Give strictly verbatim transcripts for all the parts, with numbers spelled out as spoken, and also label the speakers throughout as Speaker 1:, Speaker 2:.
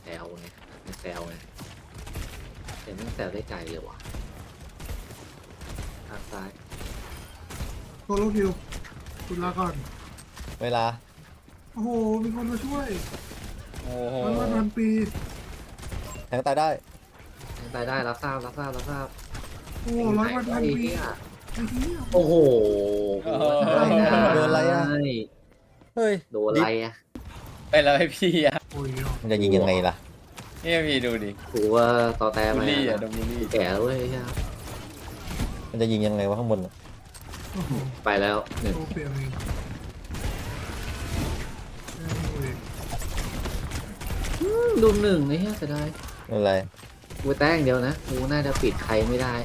Speaker 1: ซวไงไม่แซวไงแต่ไม่แซวได้ใจเลยว่ะทางซ้าย
Speaker 2: โซโลคิวคุณลาก่อน
Speaker 3: เวลา
Speaker 2: โอ้โห มีคนมาช่วย
Speaker 3: โอ้โห
Speaker 2: ร้อยวันพันปี
Speaker 3: แทงตายได้
Speaker 1: ทางซ้ายได้รับทราบรับทราบรับทราบ
Speaker 2: โอ้โหร้อยวันพัน
Speaker 1: ไอ้
Speaker 2: ปี
Speaker 1: เหี้ย
Speaker 2: ไอ้เหี้ย
Speaker 1: โอ้โห
Speaker 3: โดนอะไรอะ เฮ้ย
Speaker 1: โดนอะไรอ่ะ
Speaker 4: ไปแล้วให้พี่อะ
Speaker 2: โอ้ย
Speaker 3: มันจะยิงยังไงล่ะ
Speaker 4: นี่พี่ดูดิ
Speaker 1: กูว่าต่อแต่
Speaker 4: บู
Speaker 1: มา
Speaker 4: ลลี่อะโดนบูลลี่
Speaker 1: แก่แล้วเว้ยใช่
Speaker 3: มันจะยิงยังไงวะข้างบนน่ะ
Speaker 2: โอ้โห
Speaker 1: ไปแล้วหนึ่ง
Speaker 2: โตเปลี่ยนเองโอ้ย
Speaker 1: ดูหนึ่งไอ้เหี้ยเสียดาย
Speaker 3: ไม่เป็นไร
Speaker 1: กูแต้งเดียวนะกูน่าจะปิดใครไม่ได้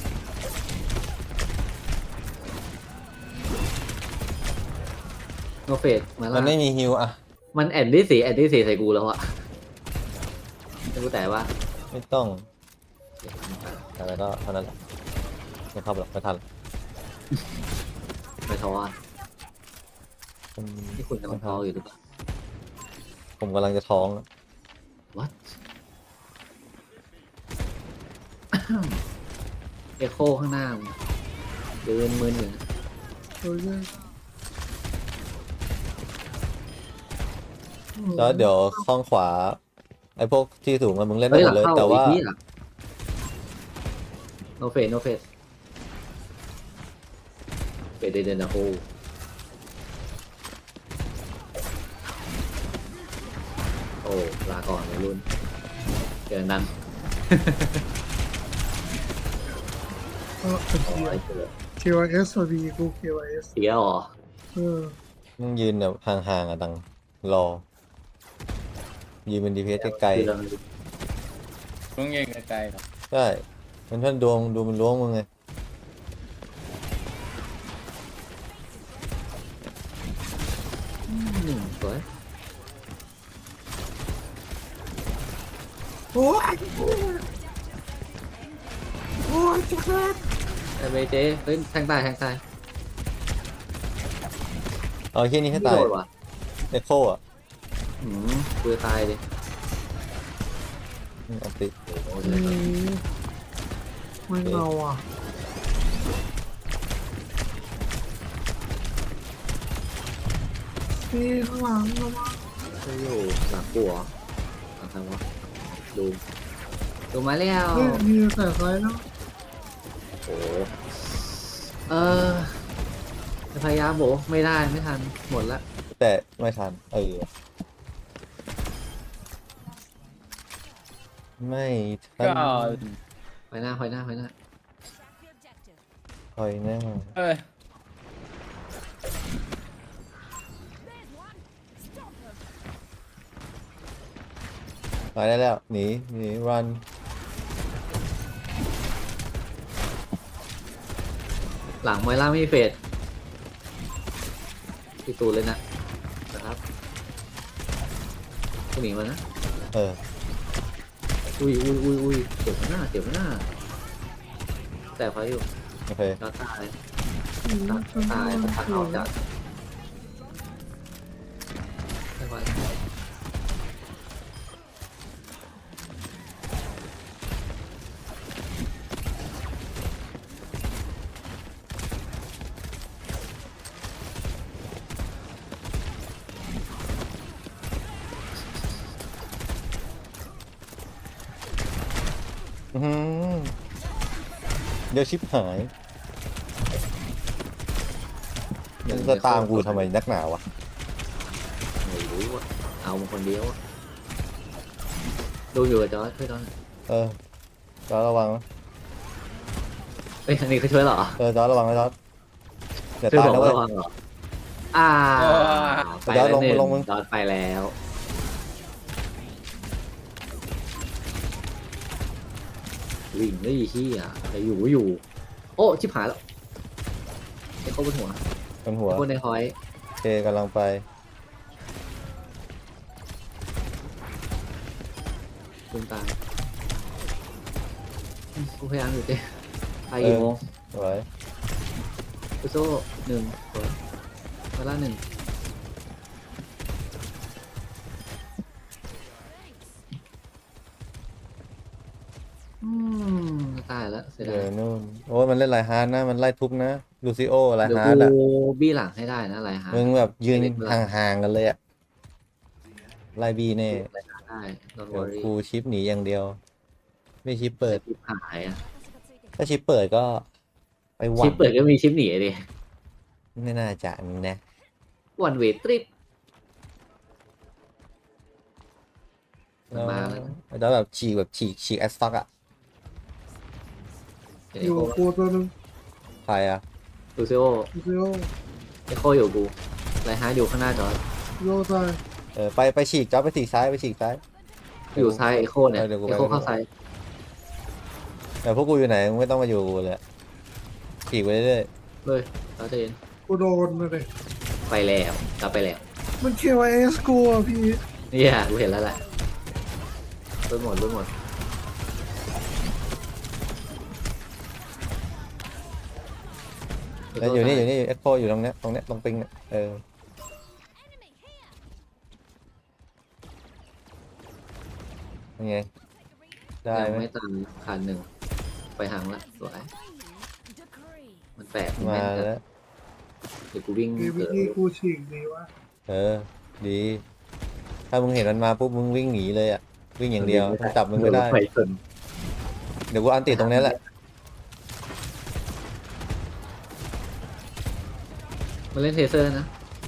Speaker 1: โนเฟสมา
Speaker 3: มั
Speaker 1: แล้
Speaker 3: น
Speaker 1: ว
Speaker 3: ไม่มีฮิวอะ
Speaker 1: มันแอนดี้สีแอนดี้สีใส่กูแล้วอะแต่กูแต่ว่า
Speaker 3: ไม่ต้องแต่ก็เท่านั้นแหละไม่ทันหรอกไม่ทัน
Speaker 1: ไม่ท้ออะ
Speaker 3: ผม
Speaker 1: ที่คุณกำลังท้ออยู่หรือเปล่า
Speaker 3: ผมกำลังจะท้อง
Speaker 1: what เอโคข้างหน้ามึงเดินมืนอยู่นะ
Speaker 2: โอ้ย
Speaker 3: แล้วเดี๋ยวข้างขวา ไอ้พวกที่สูงอะมึงเล่นได้
Speaker 1: เฮ้ย
Speaker 3: ห
Speaker 1: ห
Speaker 3: ม
Speaker 1: ลั
Speaker 3: ด
Speaker 1: ง
Speaker 3: เลย
Speaker 1: เข้า
Speaker 3: แต่
Speaker 1: อี
Speaker 3: ว่า
Speaker 1: กที่อะโนเฟสโนเฟสเฟสเดนนะโฮโอ้ลาก่อนวัยรุ่นเจอนั้น
Speaker 2: เออเป็น
Speaker 1: โอ้
Speaker 2: เกีย
Speaker 1: ย
Speaker 2: ร์
Speaker 1: เจอ
Speaker 2: เค วาย เอส สวัสดีกู เค วาย เอส
Speaker 1: เสียเหรอ
Speaker 2: เออ
Speaker 3: มึงยืนแบบห่างๆอะดังรอ ยืนเป็นดีเพสไกล
Speaker 1: คือเรา
Speaker 4: ต้องยิงไกลๆหรอ
Speaker 3: ๆใช่มันเพื่อนดวงดูมันล้วงมึงไง
Speaker 1: หนึ่งสวย
Speaker 2: โอ้ยโอ้ยจักร
Speaker 1: ไอ้เบเจเฮ้ยแทงตายแทงตาย
Speaker 3: เอาแค่นี้ให้ตาย
Speaker 1: โดนว่ะ
Speaker 3: เอ็กโคอะ
Speaker 1: หืมกูจะตายดิ
Speaker 3: อันติ
Speaker 1: โอ้โห
Speaker 2: อืมไม่เงาอ่ะพี่ข้างหลังระวัง
Speaker 1: จะอยู่หลังกูเหรอหลังใครวะดูดูมาแล้ว
Speaker 2: เฮ้ยมีแต่ไซส์แล้ว
Speaker 1: โอ้โหเออจะพยายามโบไม่ได้ไม่ทันหมดละ
Speaker 3: แต่ไม่ทันเออไม่ทั
Speaker 4: ก็
Speaker 3: น
Speaker 1: ไปหน้าไปหน้าไปหน้า
Speaker 3: คอยแน่
Speaker 4: เอ้ย
Speaker 3: ไปได้แล้วหนีหนีรัน
Speaker 1: หลังไมล่าไม่มีเฟดที่ตูนเลยนะนะครับกูหนีมานะ
Speaker 3: เออ
Speaker 1: อุ้ยอุ้ยอุ้ยอุ้ยเจ็บหน้าเจ็บหน้าแต่พออยู่
Speaker 3: โอเค
Speaker 1: ก็ตาย
Speaker 2: อืม
Speaker 1: ตายตายมันตัดออกจากไม่ไหว
Speaker 3: อื้อหือเดี๋ยวชิปหายมันจะตามกูทำไมนักหนาวะ
Speaker 1: ไม่รู้อ่ะเอามาคนเดียวอะดูอยู่กับจอร์จช่วยจอร์จ
Speaker 3: เออจอร์จระวังนะ
Speaker 1: เอ้ยอันนี้เขาช่วยเหรอ
Speaker 3: เออจอร์จระวังนะจอร์จอย่า
Speaker 1: ช่วย
Speaker 3: ตาย
Speaker 1: บอก
Speaker 3: นะเว้ย
Speaker 1: ระวังเหรออ่าไปแล้วหนึ่ง
Speaker 3: ลงมึง
Speaker 1: จอร์จไปแล้ววิ่งได้ยี่ที่อ่ะแต่อยู่ก็อยู่ โอ้ชิบหายแล้วไอ้เขาบนหัว
Speaker 3: บนหัว
Speaker 1: ไอ้คนในหอย
Speaker 3: โอเคกำลังไป
Speaker 1: ลุงตายอืมกูพยายามอยู่เจ๊ไปกี่โมง
Speaker 3: สวย
Speaker 1: กูโซ่หนึ่งสวยเวลาหนึ่งตายแล้วเสีย
Speaker 3: เดี๋
Speaker 1: ดาย
Speaker 3: ยวนู่นโอ้ยมันเล่นไลฮาร์ดนะมันไล่ทุบนะลูซิโอไล
Speaker 1: เดี๋ยว
Speaker 3: ฮาร์ด
Speaker 1: กู
Speaker 3: อะ
Speaker 1: บี้หลังให้ได้นะไรฮะ
Speaker 3: มึงแบบยืน
Speaker 1: ไม่เล่นเวลา
Speaker 3: ห่างๆกันเลยอะไล่บีแน่
Speaker 1: ไรฮะได้โดนว
Speaker 3: เดี๋
Speaker 1: อ
Speaker 3: ยว
Speaker 1: รี่
Speaker 3: กูชิปหนีอย่างเดียว ไม่ชิปเปิด
Speaker 1: ชิปหายอ่ะ
Speaker 3: ถ้าชิปเปิดก็ไปหวั
Speaker 1: ชิ
Speaker 3: ง
Speaker 1: ปเปิดก็มีชิปหนีดิ
Speaker 3: ไม่น่าจะนะ
Speaker 1: วันเวทริป
Speaker 3: แล้ว
Speaker 1: มาแล้ว
Speaker 3: แล้วแบบฉีกแบบฉีกฉีกแอสต็อกอะ
Speaker 1: เดี๋ยว
Speaker 2: อ
Speaker 1: เอยู่ โค
Speaker 2: กับกูตัวหนึ่ง
Speaker 3: ใครอะ
Speaker 1: ดูซิโอ
Speaker 2: ดูซิโอ
Speaker 1: เอโคอยู่กูไรฮะอยู่ข้างหน้าจอร์จ
Speaker 2: โยตาย
Speaker 3: เออไปไปฉีกจ๊อบไปฉีกซ้ายไปฉีกซ้าย
Speaker 1: อยู่ซ้ายเอโคเนี่ย
Speaker 3: ดี๋วกู
Speaker 1: เอ
Speaker 3: ไป
Speaker 1: โคเข้าซ้าย
Speaker 3: แต่พวกกูอยู่ไหนมึงไม่ต้องมาอยู่กับกูเลยอะฉีกไปเรื่อย
Speaker 1: เลยเราจะเห็น
Speaker 2: กูโดนมาเลย
Speaker 1: ไปแล้วกลับไปแล้ว
Speaker 2: มันเควเอสกูอ่ะพี่
Speaker 1: เนี่ยกูเห็นแล้วแหละรุ่นหมดรุ่นหมด
Speaker 3: ๆแล้วอยู่นี่อยู่นี่เอ็กโคอยู่ตรงเนี้ยตรงเนี้ยตรงปิงเนี่ยเออยังไงได้
Speaker 1: ยัง
Speaker 3: ไหม
Speaker 1: ไม่ตันคันหนึ่งไปหางละสวยมันแปลกมัน
Speaker 3: มา
Speaker 1: แม่นจัด
Speaker 3: แล้ว
Speaker 1: เดี๋ยวกูวิ่ง
Speaker 2: มีวิ
Speaker 1: เกิด
Speaker 2: ธีกูฉีกดีวะ
Speaker 3: เออ ดี ถ้ามึงเห็นมันมาปุ๊บมึงวิ่งหนีเลยอ่ะ วิ่งอย่างเดียวมันจับมึงไม่ได้
Speaker 1: ไปชน
Speaker 3: เดี๋ยวกูอันติดตรงนี้แหละ
Speaker 1: มันเล่นเทเซอร์นะ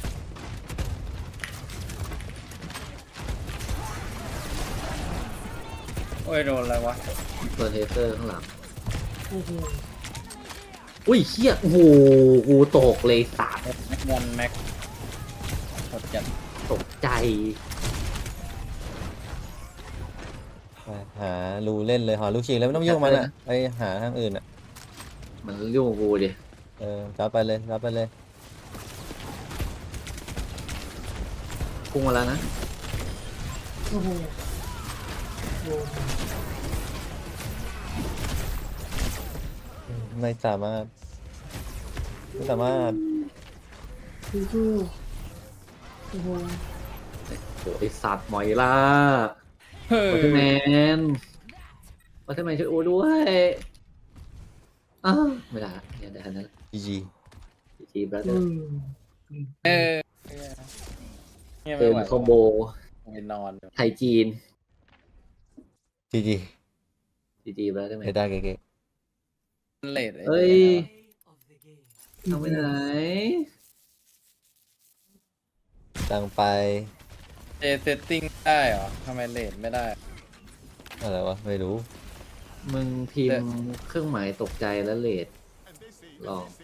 Speaker 4: โอ้ยโดนอะไรวะ
Speaker 1: ตัวเทเซอร์ข้างหลัง
Speaker 2: โอ้โห
Speaker 1: อุ้ยเฮียโอ้โหกูตกเลยสาด
Speaker 4: แม็กวันแม็กหมดจัด
Speaker 1: ตกใจ
Speaker 3: ไปหารูเล่นเลยหาลูกฉีกแล้วไม่ต้องยุ่งมันอ่ะไปหาทางอื่นอ่ะ
Speaker 1: มันยุ่งกับกูดิ
Speaker 3: เออจับไปเลยจับไปเลย
Speaker 1: พุ่งมาแล้วนะ
Speaker 2: โอ้โหโดน
Speaker 3: ไม่สามารถไม่สามารถ
Speaker 2: สู้ๆโอ้โห
Speaker 1: โอ้ไอสัตว์หมอยล่า
Speaker 4: เฮ้
Speaker 1: วัตเทอร์แม
Speaker 4: ย
Speaker 1: นวัตเทอร์แมนช่วยโอ้ด้วยอ้าวไม่ได้ละเนี่ยได้แค่นั้น
Speaker 3: จีจี
Speaker 1: จีบราเด
Speaker 2: อื
Speaker 1: อร์
Speaker 2: ม
Speaker 4: เออเงียบ
Speaker 1: เจ
Speaker 4: ไม่
Speaker 1: อ
Speaker 4: ไหว
Speaker 1: คอมโบ
Speaker 4: ไปนอน
Speaker 1: ไทยจีน
Speaker 3: จีจี
Speaker 1: จีจีบราเดอร์แม
Speaker 3: ได้
Speaker 1: น
Speaker 3: ได้เก๋
Speaker 4: เลด
Speaker 1: เฮ้ยทำไปไหน
Speaker 3: ๆตังไป
Speaker 4: เจเซตติ้งได้เหรอทำไมเลดไม่ได้
Speaker 3: อะไรวะไม่รู้
Speaker 1: มึงพิมพ์เครื่องหมายตกใจแล้วเลดลอง